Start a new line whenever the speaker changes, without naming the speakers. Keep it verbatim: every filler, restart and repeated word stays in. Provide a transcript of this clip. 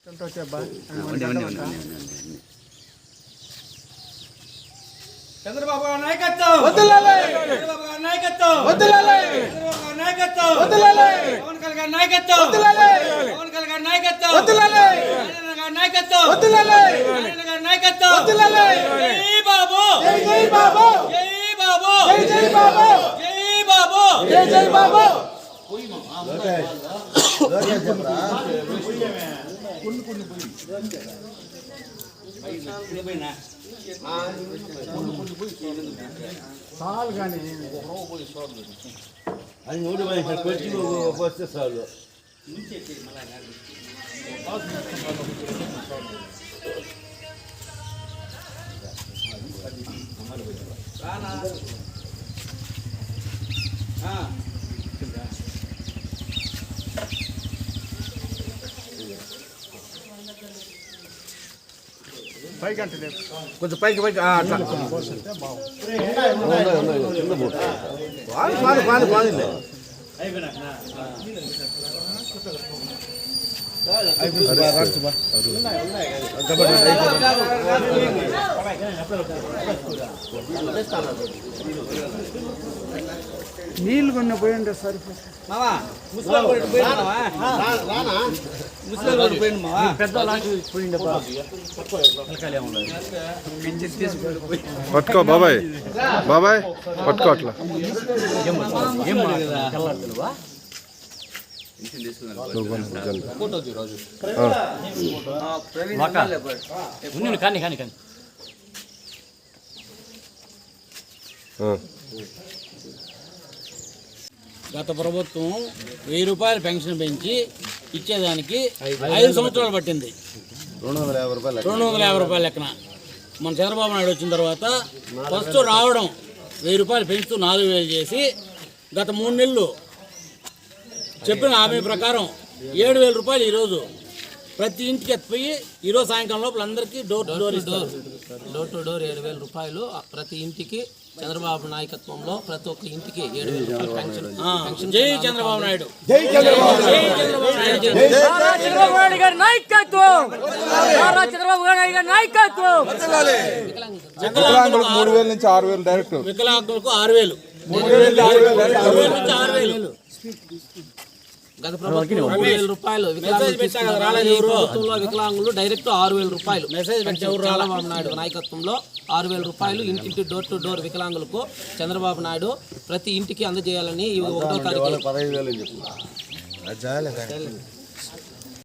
చంద్రబాబు నాయకత్వం వదలాలి, చంద్రబాబు నాయకత్వం వదలాలి, చంద్రబాబు నాయకత్వం వదలాలి, పవన్ కళ్యాణ్ నాయకత్వం వదలాలి, పవన్ కళ్యాణ్ నాయకత్వం వదలాలి, నారాయణ నాయకత్వం వదలాలి, నారాయణ నాయకత్వం వదలాలి. జై బాబు, జై జై బాబు, జై బాబు, జై జై బాబు, జై బాబు, జై జై బాబు. పోయి మా లోకే లోకే చెప్పరా కొన్ని కొన్ని పోయి పైన పైన సాల్ కానీ అది నోటి వచ్చి వస్తే సార్లు పైకి అంటే కొంచెం పైకి పైకి పాని పాని పాని నీళ్ళు కొన్న పోయిండే సార్ మావా ముసలి పోయిండు మావా పెద్ద పోయిండే
పట్టుకో బాబాయ్, బాబాయ్ పట్టుకో అట్లా
కానీ కానీ కానీ గత ప్రభుత్వం వెయ్యి రూపాయలు పెన్షన్ పెంచి ఇచ్చేదానికి ఐదు సంవత్సరాలు పట్టింది.
రెండు వందల యాభై రూపాయలు
రెండు వందల యాభై రూపాయల లెక్కన మన చంద్రబాబు నాయుడు వచ్చిన తర్వాత ఫస్ట్ రావడం వెయ్యి రూపాయలు పెంచుతూ నాలుగు వేలు చేసి గత మూడు నెలలు చెప్పిన హామీ ప్రకారం ఏడు వేల రూపాయలు ఈరోజు ప్రతి ఇంటికి ఎత్తిపోయి ఈరోజు సాయంకాలం లోపల అందరికీ డోర్ టు డోర్ ఇస్తారు.
డోర్ టు డోర్ ఏడు వేల రూపాయలు ప్రతి ఇంటికి చంద్రబాబు నాయకత్వంలో ప్రతి ఒక్క ఇంటికి ఏడు వేల రూపాయలు పెన్షన్.
జై చంద్రబాబు నాయుడు,
జై చంద్రబాబు
నాయుడు గారి నాయకత్వం, చంద్రబాబు నాయుడు గారి నాయకత్వం.
వికలాంగులకు మూడు వేల నుంచి ఆరు వేలు డైరెక్ట్,
వికలాంగులకు ఆరు వేలు
మూడు వేల నుంచి ఆరు వేలు
నుంచి ఆరు వేలు
గత ప్రభుత్వం మూడు వేల రూపాయలు ప్రభుత్వంలో వికలాంగులు డైరెక్ట్ ఆరు వేల రూపాయలు చంద్రబాబు నాయుడు నాయకత్వంలో ఆరు వేల రూపాయలు ఇంటింటి డోర్ టు డోర్ వికలాంగులకు చంద్రబాబు నాయుడు ప్రతి ఇంటికి అందజేయాలని ఒకటో తారీఖు
పదహైదు వేలు